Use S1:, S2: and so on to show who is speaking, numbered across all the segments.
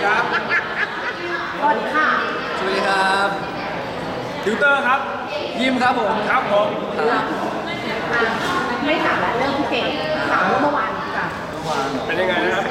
S1: ครับ
S2: สวัสดีค่ะ
S3: สวัสดีครับ
S1: ติวเตอร์ครับ
S3: ยิมครับผม
S1: ครับผม
S2: ไม่ถามแล้วเรื่องพี่เก่งถามเมื่อวานค่ะ
S1: เป็นยังไงนะครับ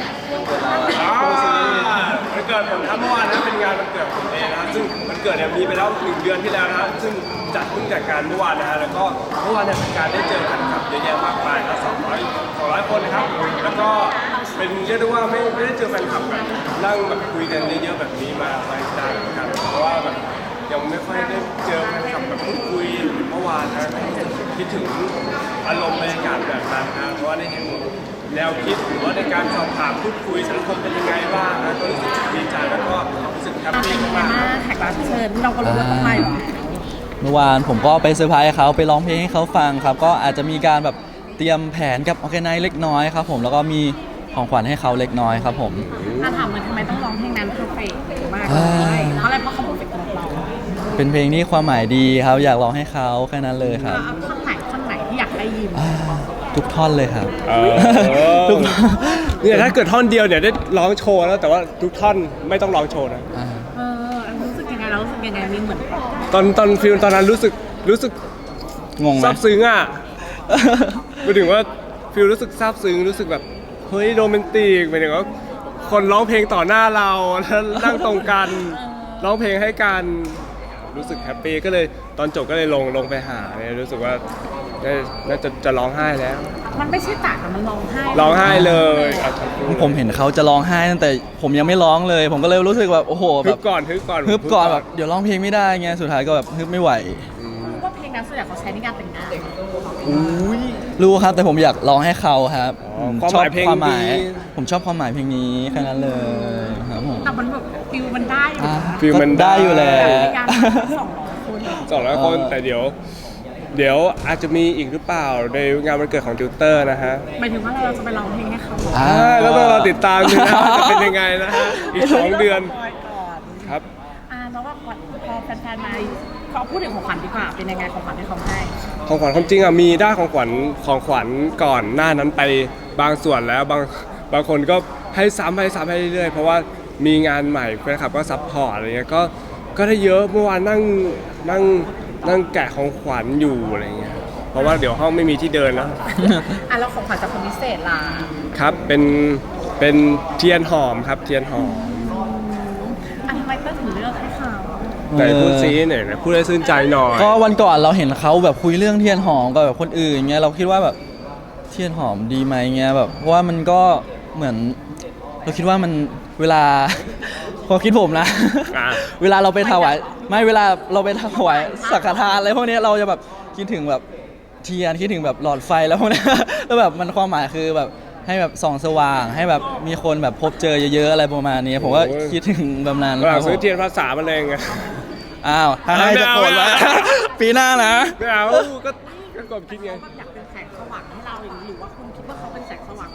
S1: วันเกิดผมครับเมื่อวานนะเป็นงานวันเกิดผมเองนะครับซึ่งวันเกิดเนี่ยมีไปแล้ว1 เดือนที่แล้วนะครับซึ่งเพิ่งจัดการเมื่อวานนะฮะแล้วก็เมื่อวานเนี่ยเป็นการได้เจอกันครับเยอะแยะมากมายครับ200คนนะครับแล้วก็เป็นเรียกได้ว่าไม่ได้เจอแฟนคลับแบบนั่งแบบคุยกันเยอะๆแบบนี้มาหลายเหมือนกันเพราะว่าแบบยังไม่ค่อยได้เจอแฟนคลับแบบพูดคุยเมื่อวานนะคิดถึงอารมณ์บรรยากาศแบบนั้นนะเพราะว่าได้เห็นแนวคิดหรือว่าในการสอบถามพูดคุยสังคมเป็นยังไงบ้างนะก็รู้สึกดีใจแล้วก็รู้สึกแฮปปี้มากๆ
S2: แขกรับเชิญเราก็รู้ว่าต้องไปหรอ
S3: เมื่อวานผมก็ไปเซอร์ไพรส์เขาไปร้องเพลงให้เขาฟังครับก็อาจจะมีการแบบเตรียมแผนกับออร์แกไนซ์เล็กน้อยครับผมแล้วก็มีของขวัญให้เขาเล็กน้อยครับผม
S2: ถามมันทำไมต้องร้องเพลงนั้นเพอร์เฟกต์มากเลยเพราะอะไรเพราะเขาเพอร์เฟกต์สำหรับเรา
S3: เป็นเพลงที่ความหมายดีครับอยากร้องให้เขาแค่นั้นเลยครับ
S2: ท่อนไหนที่อยากได้ยิน
S3: ทุกท่อนเลยครับ ทุกท่อน
S1: เนี่ยถ้าเกิดท่อนเดียวเนี่ยได้ร้องโชว์แล้วแต่ว่าทุกท่อนไม่ต้องร้องโชว์นะ
S2: รู้สึกยังไงเรารู้สึกยังไงมีเหมือน
S1: ตอนฟิลตอนนั้นรู้สึก
S3: งงไหม
S1: ซาบซึ้งอ่ะหมายถึงว่าฟิลรู้สึกซาบซึ้งรู้สึกแบบเฮ้ยโรแมนติกหมายถึงว่าคนร้องเพลงต่อหน้าเราแล้วนั่งตรงกันร้องเพลงให้กันรู้สึกแฮปปี้ก็เลยตอนจบก็เลยลงไปหาเนี่ยรู้สึกว่าน่าจะร้องไห้แล้ว
S2: มันไม่ใช่ตัดมันร้องไห้
S1: ร้องไห้เลยอ่ะ
S3: ผมเห็นเขาจะร้องไห้ตั้งแต่ผมยังไม่ร้องเลย ผมก็เลยรู้สึกแบบโอ้โหแบ
S1: ฮึ
S3: บบ
S1: ก่อน
S3: ฮึบก่อนแบบเดี๋ยวร้องเพลงไม่ได้ไงสุดท้ายก็แบบฮึบไม่ไหว
S2: ว่าเพลงนั้นส่วนใหญ่เขาใช้ในการแต่งงาน
S1: อุ้ย
S3: รู้ครับแต่ผมอยากร้องให้เขาครับ
S1: อ๋อ
S3: ผม
S1: ความหมายเพลง
S3: ความหมาย
S1: ดี
S3: ผมชอบความหมายเพลงนี้แค่นั้นเลยครับผม
S2: แต่มันแบบฟิลมันได้อยู่
S1: ฟิลมัน
S3: ก็ได้อยู่แล้
S2: แต่
S3: ว
S2: ในการ200 คน
S1: 200 คนแต่เดี๋ยวอาจจะมีอีกหรือเปล่าในงานวันเกิดของติวเตอร์นะฮะ
S2: หมายถึงว่าเราจะไปร้องเพลงให้เขา
S1: แล้วต้องรอติดตามดูนะว่าจะเป็นยังไงนะฮะอีก 2 เดือน
S2: ก่อน
S1: ครับ
S2: แล้วว่าพอแฟนๆมาเขาพูดถึงของขวัญดีกว่าเป็นยังไงของขวัญที่เขาให้
S1: ของขวัญความจริงอ่ะมีได้ของขวัญก่อนหน้านั้นไปบางส่วนแล้วบางคนก็ให้ซ้ำให้เรื่อยๆเพราะว่ามีงานใหม่แฟนคลับก็ซัพพอร์ตอะไรเงี้ยก็ได้เยอะเมื่อวานนั่งแกะของขวัญอยู่อะไรเงี้ยเพราะว่าเดี๋ยวห้องไม่มีที่เดินแล้ว
S2: แล้วของขวัญจากคนพิเศษล่ะ
S1: ครับเป็นเทียนหอมครับเทียนหอม
S2: ทำไมก็ถึงเลือกให้เขา
S1: ไหนพูดซีหน่อยนะพูดให้ซื่นใจหน่อย
S3: ก็วันก่อนเราเห็นเขาแบบคุยเรื่องเทียนหอมกับแบบคนอื่นเงี้ยเราคิดว่าแบบเทียนหอมดีไหมเงี้ยแบบเพราะว่ามันก็เหมือนเราคิดว่ามันเวลา ความคิดผมนะ
S1: อ่ะ
S3: เวลาเราไปถวายไม่เวลาเราไปถวายสังฆทานอะไรพวกเนี้ยเราจะแบบคิดถึงแบบเทียนคิดถึงแบบหลอดไฟแล้วพวกเนี้ย แล้วแบบมันความหมายคือแบบให้แบบส่องสว่างให้แบบมีคนแบบพบเจอเยอะๆอะไรประมาณนี้ผมก็คิดถึงแบบนั้น
S1: หลั
S3: ครั
S1: ง
S3: บผ
S1: ซื้อ
S3: ม
S1: เทียนภาษามาเลยไง
S3: อ้าวถ้าให้จะโกรธ
S1: ไม่
S3: ไว้
S1: เอา
S3: ปีหน้านะ
S1: ไม่เอาก็กดคิดไง
S2: เขาแบบอยากเป็นแสงสว่างให้เราอย่างนี้หรือว่าคุณคิดว่าเขาเป็นแสงสว่างก็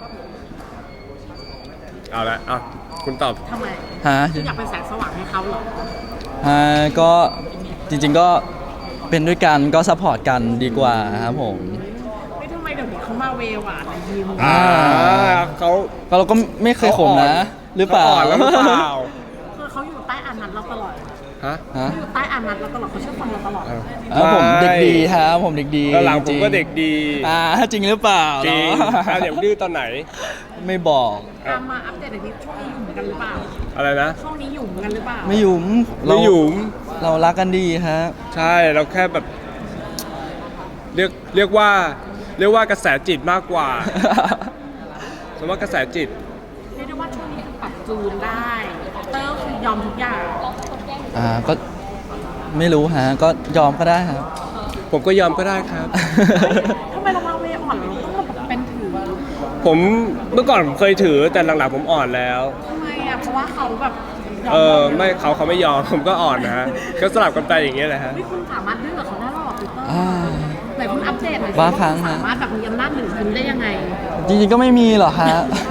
S1: เอาละอ่ะคุณตอบ
S2: ทำไม
S3: ฮะ
S2: คุณอยากเป็นแสงสว่างให้เขาเหรอ
S3: ก็จริงๆก็เป็นด้วยกันก็ซัพพอร์ตกันดีกว่าครับผม
S2: ไม่ทำไมเดี๋ยวนี้เขามาเวหวานอะไรยิ้ม
S1: เขา
S3: ก็เราก็ไม่เคยข่มนะ หรือเปล่า
S1: ขอ่อนแล้วหรือเปล่า
S2: คือเขาอยู่ใต้อานัตเราตลอด
S1: ฮะ
S3: ฮะ
S2: เขาอยู่ใต้อานัตเราตลอดเขาเชื่อฟังเราตลอด
S3: ผมเด็กดีครับผมเด็กดี
S1: แล้วหลังผม
S3: จริ
S1: ก็เด็กดี
S3: จริงหรือเปล่า
S1: จริง
S3: เนอะ
S1: เดี๋ยวดื้อตอนไหน
S3: ไม่บอก
S2: มาอัปเดตหน่อยที่ช่วงนี้อยู่เหมือนกันหรือเปล่า
S1: อะไรนะ
S2: ช่วงนี้อยู่เหมือนกันหรือเปล่า
S3: ไม่หยุม
S1: ไม่หยุม
S3: เรารักกันดีฮะ
S1: ใช่เราแค่แบบ เรียกว่ากระแสจิตมากกว่า สมมติว่ากระแสจิต
S2: เรียกได้ว่าช่วงนี้คือปรับจูนได้เตอร์คือยอมทุกอย่าง
S3: ก็ไม่รู้ฮะก็ยอมก็ได้ครับ
S1: ผมก็ยอมก็ได้ครับ
S2: ทำไมเรามาเวอ่อนเราต้องมาแบบเป็นถือ
S1: ผมเมื่อก่อนผมเคยถือแต่หลังๆผมอ่อนแล้ว
S2: ทำไมอ่ะเพราะว่าเขาแบบยม
S1: ไม่เขาไม่ยอม ผมก็อ่อนนะฮะก็สลับกันไปอย่างเงี้ยแหละฮะ
S2: ไม่คุณสามารถดื้อกับเขาได้หรอพี่เตอร์
S3: อ่า
S2: ไหนคุณอัปเดตหน่อยสิ
S3: บางครั้งฮะ
S2: สามารถแบบมีอำนาจเหนือคุณได้ยังไง
S3: จริงๆก็ไม่มีหรอกฮะ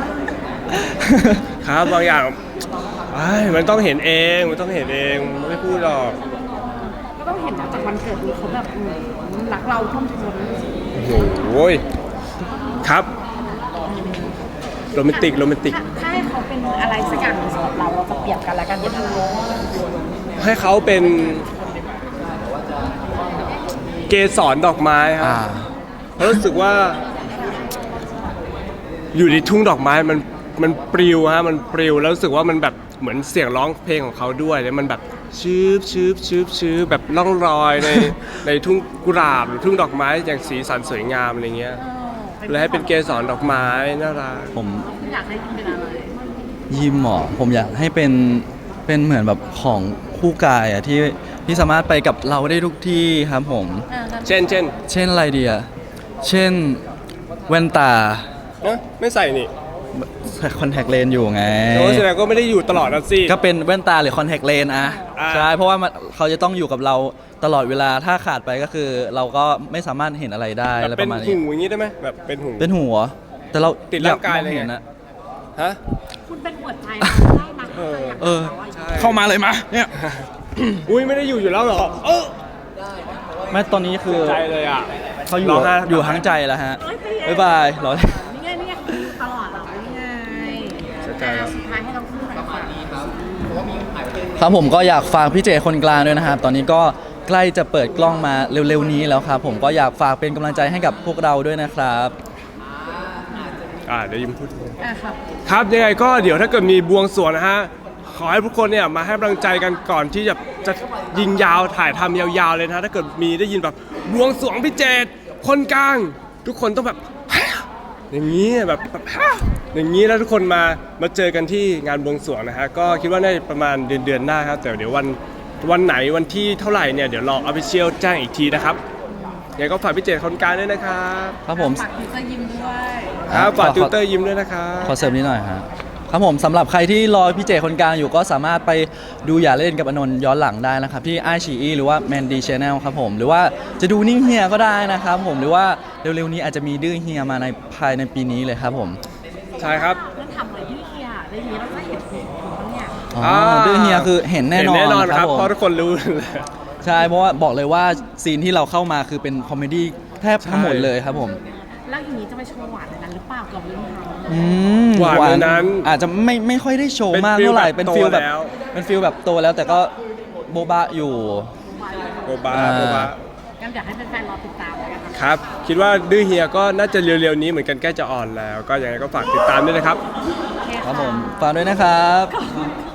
S1: ครับบางอย่างมันต้องเห็นเองมันต้องเห็นเองไม่พูดหรอก
S2: ก็ต้องเห็นนะจากวันเกิดนี้เขาแบบรักเราท่วมท้น
S1: โอ้โหครับโรแมนติก
S2: ถ้าให้ขอเขาเป็นอะไรสักอย่างหนึ่งสำหรับเราจะเปรียบกันแล้วกันยังไง
S1: ให้เขาเป็นเกสรดอกไม้ครั
S3: อ่า
S1: บเพราะรู้สึกว่า อยู่ในทุ่งดอกไม้มันปลิวฮะมันปลิวแล้วรู้สึกว่ามันแบบเหมือนเสียงร้องเพลงของเขาด้วยแล้วมันแบบชืบชืบชืบชืบแบบล่องรอยใน ในทุ่งกุหลาบหรือทุ่งดอกไม้อย่างสีสันสวยงามอะไรเงี้ยเลยให้เป็นเกสรดอกไม้น่ารัก
S3: ผม
S2: อยากให้เป็นอะไร
S3: ยิมหมอผมอยากให้เป็นเหมือนแบบของคู่กายอะที่สามารถไปกับเราได้ทุกที่ครับผม
S1: เช่น
S3: เช่นอะไรดีอะเช่นแว่นตา
S1: นะไม่ใส่นี่
S3: คอนแทคเลนส์อยู่ไง
S1: โอ้แสดงก็ไม่ได้อยู่ตลอดนะสิ
S3: ก็เป็นแว่นตาหรือคอนแทคเลนส์อะ
S1: อ่า
S3: ใช่เพราะว่าเขาจะต้องอยู่กับเราตลอดเวลาถ้าขาดไปก็คือ เราก็ไม่สามารถเห็นอะไรได้
S1: แบบ
S3: อะไรป
S1: เป็น
S3: ระมาณ
S1: หู
S3: นี้
S1: อย่างนี้ได้ไหมแบบเป็นหู
S3: เป็นหัว แต่เรา
S1: ติดร่างกายเลยไง
S3: อมองห็นนะ
S1: ฮะ
S2: คุณเป็นหัวใจได้ไหม
S3: เออเข้ามาเลยมาเนี่ย
S1: อุ้ยไม่ได้อยู่แล้วเหรอ
S3: ไม่ตอนนี้คือ
S1: ใจเลยอ่ะ
S3: เขาอยู่
S1: ร้องไห้
S3: อยู่ทั้งใจแล้วฮะบ๊ายบายรอ
S2: นี่ไงนี่ไงตลอดเหรอนี่ไง
S1: เสียใจครับ
S2: สุดท้ายให้เราพูดหน่อยค่ะ
S3: ครับผมก็อยากฝากพี่เจคนกลางด้วยนะครับตอนนี้ก็ใกล้จะเปิดกล้องมาเร็วๆนี้แล้วครับผมก็อยากฝากเป็นกำลังใจให้กับพวกเราด้วยนะครับ
S1: เดี๋ยวยิ้มพูด
S2: ครับ
S1: ครับยังไงก็เดี๋ยวถ้าเกิดมีบวงสรวงนะฮะขอให้ทุกคนเนี่ยมาให้กำลังใจกันก่อนที่จะยิงยาวถ่ายทำยาวๆเลยนะฮะถ้าเกิดมีได้ยินแบบบวงสรวงพี่เจตคนกลาง ทุกคนต้องแบบ อย่างนี้แบบอย่างนี้แล้วทุกคนมาเจอกันที่งานบวงสรวงนะฮะก็คิดว่าน่าจะประมาณเดือนหน้าครับแต่เดี๋ยววันไหนวันที่เท่าไหร่เนี่ยเดี๋ยวรอ Official แจ้งอีกทีนะครับยังไงก็ฝากพี่เจตคนกลางด้วยนะครับ
S3: ครับผม
S2: ฝากติวเตอร์ยิ้มด้วย
S1: ครับฝากติวเตอร์ยิ้มด้วยนะครับ
S3: ขอเสริมนิดหน่อยฮะครับผมสำหรับใครที่รอพี่เจคนกลางอยู่ก็สามารถไปดูอย่าเล่นกับอนนท์ย้อนหลังได้นะครับที่ไอชีอีหรือว่า Mandy Channel ครับผมหรือว่าจะดูนิ่งเฮียก็ได้นะครับผมหรือว่าเร็วๆนี้อาจจะมีดื้อเฮียมาในภายในปีนี้เลยครับผม
S1: ใช่ครับ
S2: นั่นทำอะไรที่เฮียได้ยินแล้วก็เห็นผมเนี่ย
S3: อ๋อดื้อเฮียคือเห็นแน่นอน
S1: เห็นแน่นอน
S3: ค
S1: ค
S3: รั
S1: รั
S3: บบ ผม
S1: เพราะทุกคนรู้
S3: ใช่เพราะว่าบอกเลยว่าซีนที่เราเข้ามาคือเป็นคอมเมดี้แทบทั้งหมดเลยครับผม
S2: แล้วอย่างนี้จะไปโชว์หวานในนั้นหรือเปล่ากับเรื่องเขา
S3: อืม
S1: หวานในนั้น
S3: อาจจะไม่ค่อยได้โชว์
S1: เป็น
S3: มาก
S1: ฟีล
S3: เท่าไหร่
S1: แบบ
S3: เป็นฟิลแบบ
S1: โตแล้ว
S3: เป็นฟิลแบบโตแล้วแต่ก็โบบะอยู่
S1: โบบา
S3: อ่า
S1: โบบา
S2: งั้นอยากให้แฟนๆรอติดตามแล้วกันนะ
S1: ครับ คิดว่าดื้อเฮียก็น่าจะเร็วๆนี้เหมือนกันใกล้จะออนแล้ว ก็ยังไงก็ฝากติดตามด้วยนะครับ
S2: โอเค
S3: ครับผมฝากด้วยนะครับ
S2: ขอบคุณ